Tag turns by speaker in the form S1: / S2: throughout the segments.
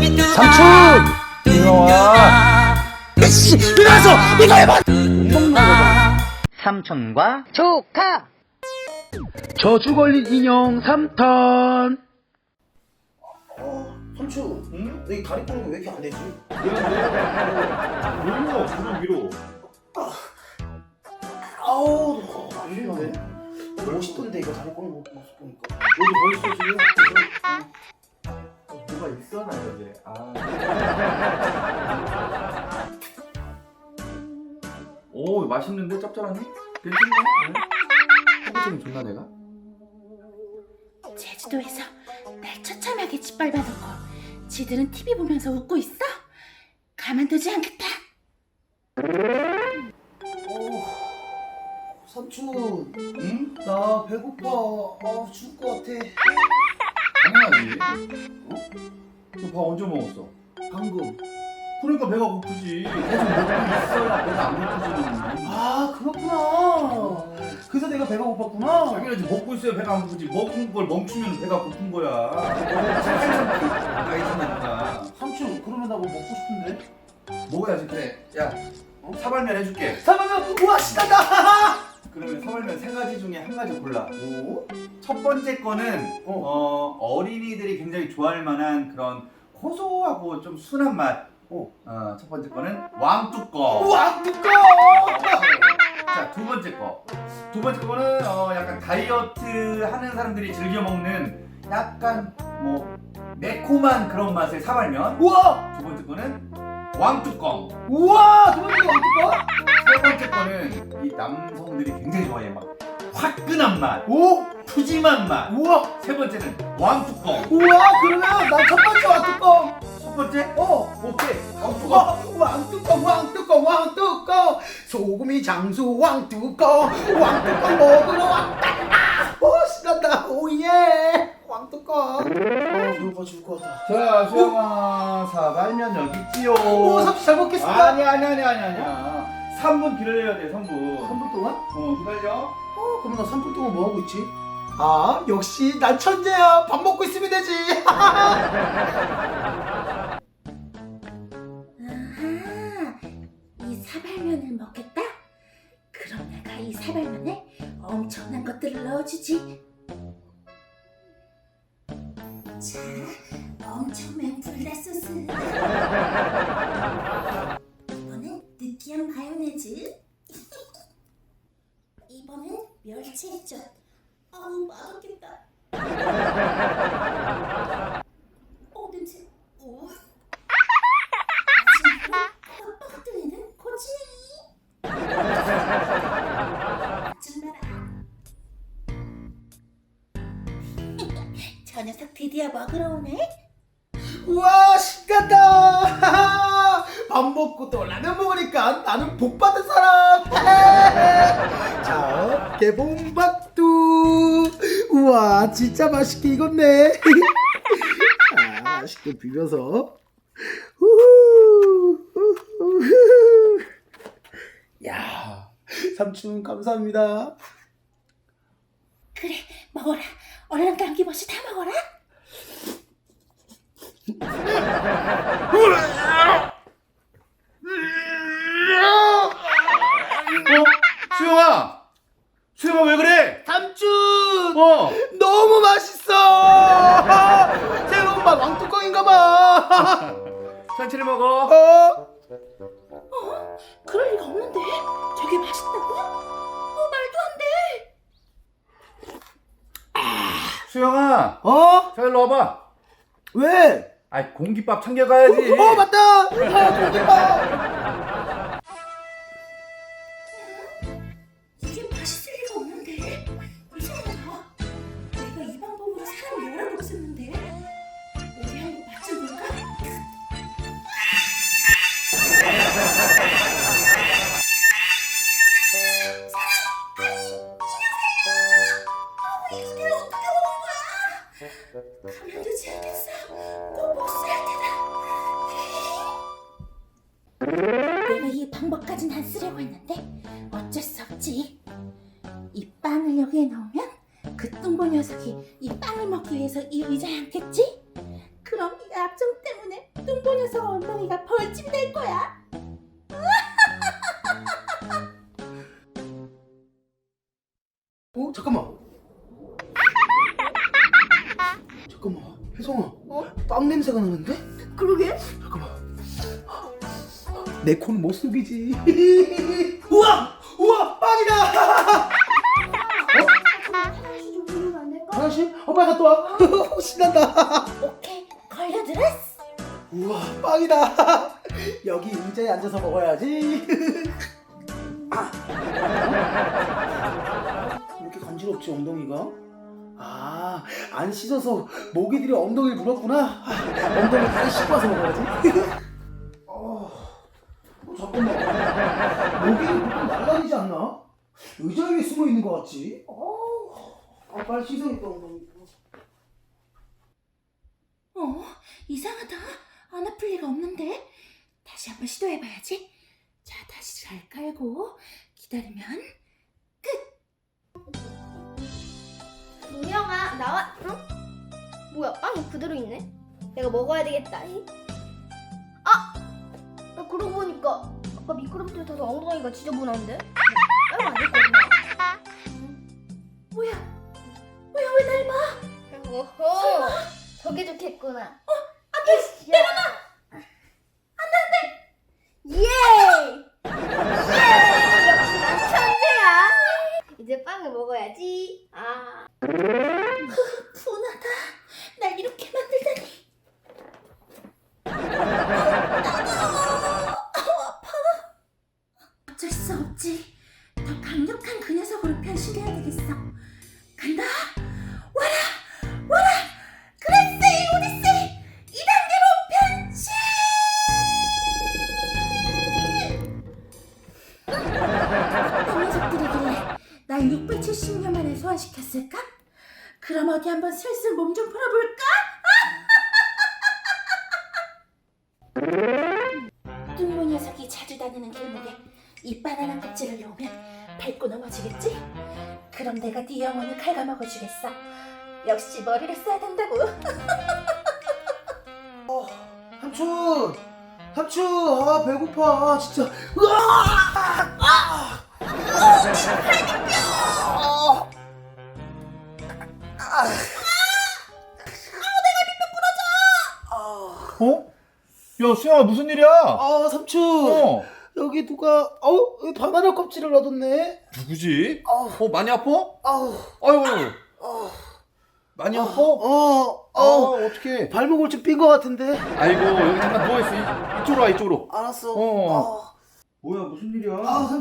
S1: 삼촌! 이거 와. 씨, 일어나서 이거 해봐! 못 먹는 거다.
S2: 삼촌과 조카.
S1: 저주 걸린 인형 3턴.
S3: 삼촌, 응? 너 이 다리 꼬는 거 왜 이렇게 안 되지?
S4: 위로, 무릎 위로.
S3: 아우, 안 되는데? 멋있던데, 이거 다리 꼬는 거 모습 보니까.
S4: 여기 벌써 지금 뭐가 있어 나 여기. 오 맛있는데 짭짤하니? 괜찮네. 호기심이 좋나 내가?
S5: 제주도에서 날 처참하게 짓밟아놓고 지들은 TV 보면서 웃고 있어? 가만두지 않겠다.
S3: 삼촌, 응? 나 배고파. 죽을 것 같아.
S4: 당연하지. 어? 너 밥 언제 먹었어?
S3: 방금.
S4: 그러니까 배가 고프지. 계속 먹고 있어야 배가 안 고프지는.
S3: 아, 그렇구나. 그래서 내가 배가 고팠구나.
S4: 당연하지. 먹고 있어야 배가 안 고프지. 먹은 걸 멈추면 배가 고픈 거야. 나이지니까.
S3: 삼촌, 그러면 나 뭐 먹고 싶은데?
S4: 먹어야지. 그래. 야, 사발면 해줄게.
S3: 잠깐만, 우와, 신난다!
S4: 그러면 사발면 세 가지 중에 한 가지 골라.
S3: 오?
S4: 첫 번째 거는 어린이들이 굉장히 좋아할 만한 그런 고소하고 좀 순한 맛. 첫 번째 거는 왕뚜껑.
S3: 우와, 두꺼!
S4: 자, 두 번째 거. 두 번째 거는 약간 다이어트 하는 사람들이 즐겨 먹는 약간 뭐 매콤한 그런 맛의 사발면.
S3: 우와!
S4: 두 번째 거는 왕뚜껑.
S3: 우와! 두 번째 왕뚜껑?
S4: 세 번째 거는 이 남성들이 굉장히 좋아해. 막 화끈한 맛,
S3: 오!
S4: 푸짐한 맛.
S3: 우와!
S4: 세 번째는 왕뚜껑.
S3: 우와! 그러면 난 첫 번째 왕뚜껑!
S4: 첫 번째? 오케이.
S3: 왕뚜껑! 왕뚜껑! 소금이 장수 왕뚜껑! 왕뚜껑 먹으러 왔다! 신난다! 오예! 왕뚜껑! 배고파 죽을 것 같다.
S4: 자, 수영아, 사발면 여기 있지요.
S3: 오, 삼촌 잘 먹겠습니다!
S4: 아니야. 3분 기다려야 돼, 3분.
S3: 3분 동안?
S4: 기다려.
S3: 그럼 나 3분 동안 뭐 하고 있지? 역시 난 천재야! 밥 먹고 있으면 되지!
S5: 아하, 이 사발면을 먹겠다? 그럼 내가 이 사발면에 엄청난 것들을 넣어주지. 자, 엄청 맵 불닭소스. 이번엔 느끼한 마요네즈. 이번엔 멸치 액젓. 아우, 맛없겠다. 냄새. 마지막으로 빡 뜨이는 고추냉이. 정말. 저 녀석 드디어 먹으러 오네.
S3: 우와, 신난다! 밥 먹고 또 라면 먹으니까 나는 복 받은 사람! 자, 개봉박두! 우와, 진짜 맛있게 익었네! 자, 맛있게 비벼서. 우후. 야, 삼촌 감사합니다.
S5: 그래, 먹어라. 얼른 감기버시 다 먹어라.
S4: 수영아 왜 그래?
S3: 삼촌!
S4: 어.
S3: 너무 맛있어! 새로운 왕뚜껑인가봐!
S4: 천천히 먹어.
S5: 그럴 리가 없는데? 저게 맛있다고? 말도 안 돼.
S4: 수영아. 자, 일로 와봐.
S3: 왜?
S4: 아이, 공깃밥 챙겨가야지.
S3: 맞다! 공깃밥!
S5: 이게 맛있을 리가 없는데? 이상하다. 내가 이 방법으로 사람 여러 번 썼는데? 어디 한번 맛 좀 볼까? 이걸 어떻게 먹은 거야? 가만두지 않겠어. 꼭 복수할 테다. 내가 이 방법까진 안 쓰려고 했는데 어쩔 수 없지. 이 빵을 여기에 넣으면 그 뚱보 녀석이 이 빵을 먹기 위해서 이 의자에 앉겠지? 그럼 이 압정 때문에 뚱보 녀석 엉덩이가 벌집 될 거야.
S3: 잠깐만. 혜성아. 빵 냄새가 나는데?
S5: 그러게?
S3: 잠깐만. 내 코는 못 속이지. 우와! 빵이다!
S5: 화장실 좀 부르면 안 될까?
S3: 화장실? 빨리 갔다 와. 신난다.
S5: 오케이, 걸려들었어.
S3: 우와, 빵이다. 여기 의자에 앉아서 먹어야지. 이렇게 간지럽지, 엉덩이가? 안 씻어서 모기들이 엉덩이를 물었구나. 엉덩이 다시 씻고 와서 먹어야지. 잠깐만. 모기는 보통 날라다니지 않나? 의자 위에 숨어 있는 것 같지? 빨리 씻어야겠다, 엉덩이.
S5: 이상하다. 안 아플 리가 없는데. 다시 한번 시도해봐야지. 자, 다시 잘 깔고 기다리면 끝.
S6: 문영아 나와. 응? 뭐야 빵이 그대로 있네. 내가 먹어야 되겠다. 나 그러고 보니까 아까 미끄럼틀 타서 엉덩이가 지저분한데? 빨리 안 됐거든.
S5: 뭐야 왜 닮아?
S6: 오호 저게 좋겠구나.
S5: 안돼, 내려놔.
S6: 예! 역시 난 천재야. 이제 빵을 먹어야지.
S5: 분하다. 날 이렇게 만들다니. 아파. 어쩔 수 없지. 더 강력한 그 녀석으로 변신해야 되겠어. 간다. 와라. 그레세이 오디세이 2단계로 변신. 어떤 녀석들이길래 날 670년 만에 소환시켰을까? 그럼 어디 한번 슬슬 몸 좀 풀어볼까? 뚱보 녀석이 자주 다니는 길목에 이 바나나 껍질을 놓으면 밟고 넘어지겠지? 그럼 내가 네 영혼을 갉아먹어주겠어. 역시 머리를 써야 된다고.
S3: 삼촌, 배고파, 진짜. 으아!
S1: 야, 수영아, 무슨 일이야?
S3: 삼촌. 여기 누가, 여기 바나나 껍질을 놔뒀네.
S1: 누구지? 많이 아파?
S3: 아유.
S1: 많이 아파? 어떡해.
S3: 발목을 좀 삔 것 같은데.
S1: 아이고, 여기 잠깐 누워있어. 이쪽으로 와, 이쪽으로.
S3: 알았어.
S1: 뭐야, 무슨 일이야?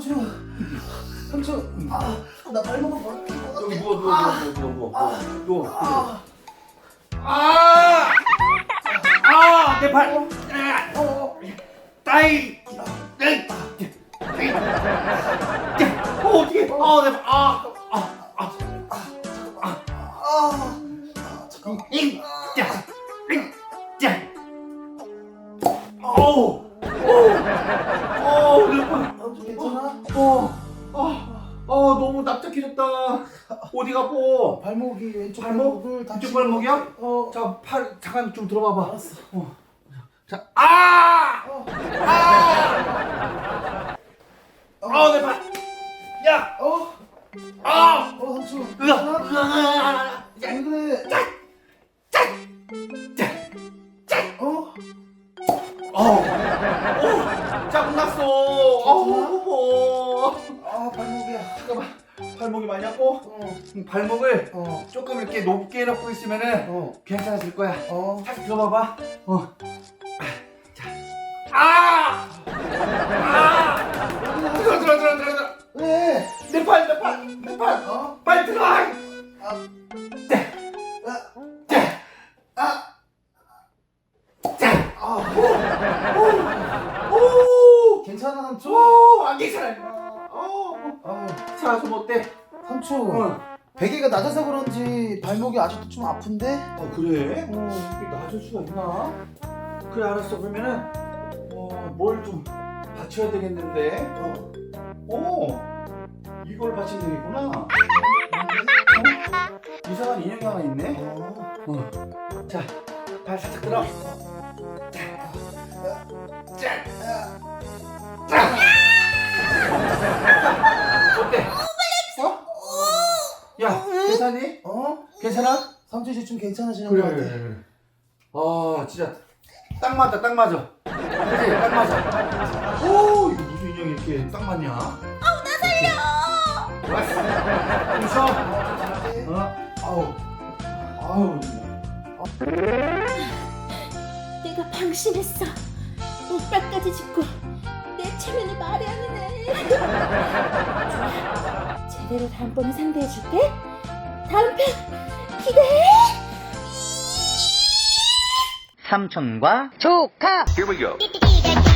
S3: 삼촌. 나 발목을 바로 삔것 같아.
S1: 여기 누워. 내 발. 따이. 어떻게? 내 발.
S3: 잠깐만. 괜찮아?
S1: 너무 납작해졌다. 어디가 아파?
S3: 발목이 왼쪽
S1: 발목?
S3: 발목을
S1: 이쪽 발목이야?
S3: 어.
S1: 자, 팔 잠깐 좀 들어봐봐.
S3: 알았어.
S1: 자, 내 발. 야,
S3: 삼촌.
S1: 으아.
S3: 왜 그래?
S1: 짜증났어.
S3: 발목이야.
S1: 잠깐만. 발목이 많이 아파?
S3: 어.
S1: 발목을 조금 이렇게 높게 놓고 있으면은 괜찮아질 거야. 다시 들어봐봐. 자. 들어.
S3: 왜?
S1: 내 팔. 빨리 들어와.
S3: 괜찮아 삼촌?
S1: 안 괜찮아. 자, 좀 어때?
S3: 삼촌. 베개가 낮아서 그런지 발목이 아직도 좀 아픈데?
S1: 그래? 이게 낮을 수가 있나? 그래, 알았어. 그러면은 뭘 좀 받쳐야 되겠는데. 이걸 받치면 되겠구나. 이상한 인형이 하나 있네. 자, 발 살짝 들어. 자, 어때? 야, 괜찮니? 괜찮아?
S3: 삼촌 좀 괜찮아지는
S1: 그래
S3: 것 같아.
S1: 그래 그래. 아 진짜 딱 맞아 딱 맞아. 그치 딱 맞아. 오 이거 무슨 인형이 이렇게 딱 맞냐? 아우 나 살려. 왔어. 좀 쉬어. 아우 아우.
S5: 내가 방심했어. 오빠까지 짓고 내 체면을 말이 아니네. 좋아. 제대로 다음번에 상대해줄게. 다음 편 기대해.
S2: 삼촌과 조카
S7: Here we go.
S6: 띠띠띠